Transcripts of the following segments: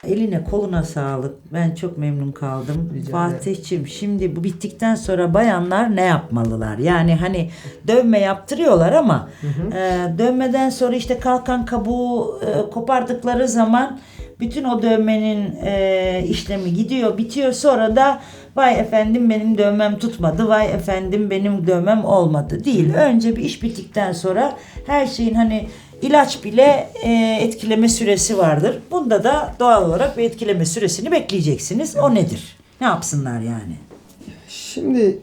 Eline koluna sağlık. Ben çok memnun kaldım. Rica Fatih'ciğim, şimdi bu bittikten sonra bayanlar ne yapmalılar? Yani hani dövme yaptırıyorlar ama dövmeden sonra işte kalkan kabuğu kopardıkları zaman bütün o dövmenin işlemi gidiyor, bitiyor. Sonra da vay efendim benim dövmem tutmadı, vay efendim benim dövmem olmadı değil. Önce bir iş bittikten sonra her şeyin hani ilaç bile etkileme süresi vardır. Bunda da doğal olarak bir etkileme süresini bekleyeceksiniz. O nedir? Ne yapsınlar yani? Şimdi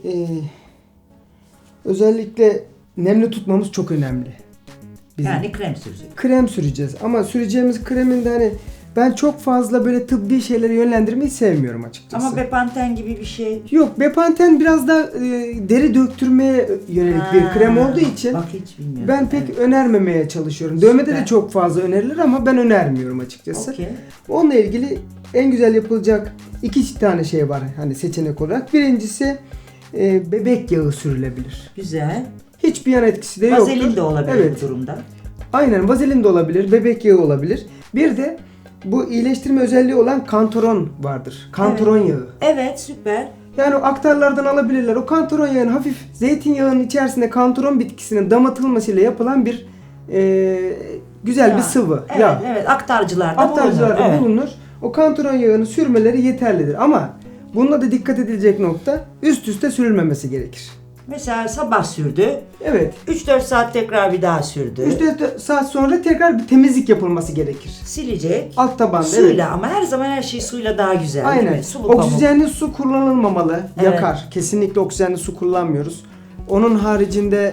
özellikle nemli tutmamız çok önemli. Bizim. Yani krem sürecek. Krem süreceğiz ama süreceğimiz kremin de hani ben çok fazla böyle tıbbi şeylere yönlendirmeyi sevmiyorum açıkçası. Ama Bepanten gibi bir şey. Yok, Bepanten biraz da deri döktürmeye yönelik bir krem olduğu için bak hiç bilmiyorum. ben pek Evet. önermemeye çalışıyorum. Dövmede Süper. de çok fazla önerilir ama ben önermiyorum açıkçası. Okey. Onunla ilgili en güzel yapılacak 2 tane şey var hani seçenek olarak. Birincisi bebek yağı sürülebilir. Güzel. Hiçbir yan etkisi de yoktur. Vazelin de olabilir Evet. bu durumda. Aynen, vazelin de olabilir, bebek yağı olabilir. Bir de bu iyileştirme özelliği olan kantaron vardır. Kantaron yağı. Evet, süper. Yani o aktarlardan alabilirler. O kantaron yağının hafif zeytinyağının içerisinde kantaron bitkisinin damatılmasıyla yapılan bir güzel Ya, bir sıvı. Evet, yağ. evet. Aktarcılarda Aktarcılarda bulunur. bulunur. O kantaron yağını sürmeleri yeterlidir. Ama bunda da dikkat edilecek nokta üst üste sürülmemesi gerekir. Mesela sabah sürdü. Evet. 3-4 saat tekrar bir daha sürdü. 3-4 saat sonra tekrar bir temizlik yapılması gerekir. Silecek. Alt tabanda. Suyla ama her zaman her şey suyla daha güzel değil Aynen. mi? Sulu pamuk. Oksijenli su kullanılmamalı. Evet. Yakar. Kesinlikle oksijenli su kullanmıyoruz. Onun haricinde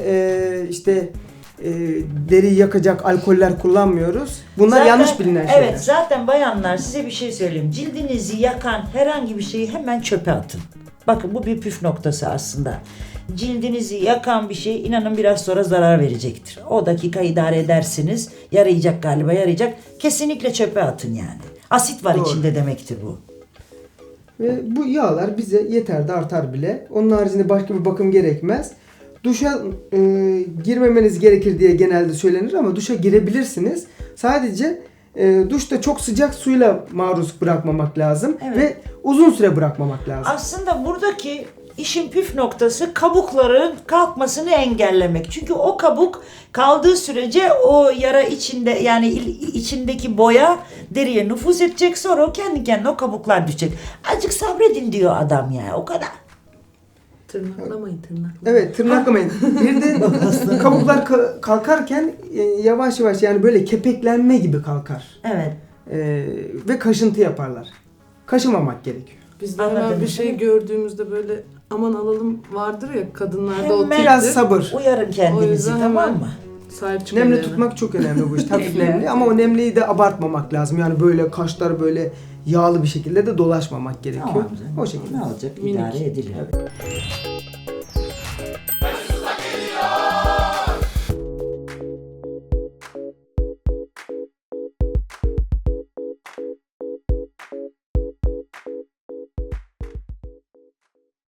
deriyi yakacak alkoller kullanmıyoruz. Bunlar Zaten- yanlış bilinen şeyler. Evet, zaten bayanlar size bir şey söyleyeyim. Cildinizi yakan herhangi bir şeyi hemen çöpe atın. Bakın bu bir püf noktası aslında. Cildinizi yakan bir şey inanın biraz sonra zarar verecektir. O dakika idare edersiniz. Yarayacak galiba, yarayacak. Kesinlikle çöpe atın yani. Asit var Doğru. içinde demektir bu. Ve bu yağlar bize yeter de artar bile. Onun haricinde başka bir bakım gerekmez. Duşa girmemeniz gerekir diye genelde söylenir ama duşa girebilirsiniz. Sadece duşta çok sıcak suyla maruz bırakmamak lazım. Evet. Ve uzun süre bırakmamak lazım. Aslında buradaki işin püf noktası kabukların kalkmasını engellemek. Çünkü o kabuk kaldığı sürece o yara içinde yani içindeki boya deriye nüfuz edecek, sonra o kendi kendine o kabuklar düşecek. Azıcık sabredin diyor adam ya, o kadar. Tırnaklamayın. Evet, tırnaklamayın. Bir de kabuklar kalkarken yavaş yavaş yani böyle kepeklenme gibi kalkar. Evet. Ve kaşıntı yaparlar. Kaşımamak gerekiyor. Biz de Anladım. hemen bir şey gördüğümüzde böyle aman alalım vardır ya kadınlarda o Hemen tiptir. Biraz sabır. Uyarın O kendinizi, yüzden tamam hemen mı? sahip çıkın Nemli evine. tutmak çok önemli bu işte. Hafif nemli ama o nemliyi de abartmamak lazım. Yani böyle kaşlar böyle yağlı bir şekilde de dolaşmamak gerekiyor. Tamam canım. O şekilde. Ne olacak? Minik. İdare edilir.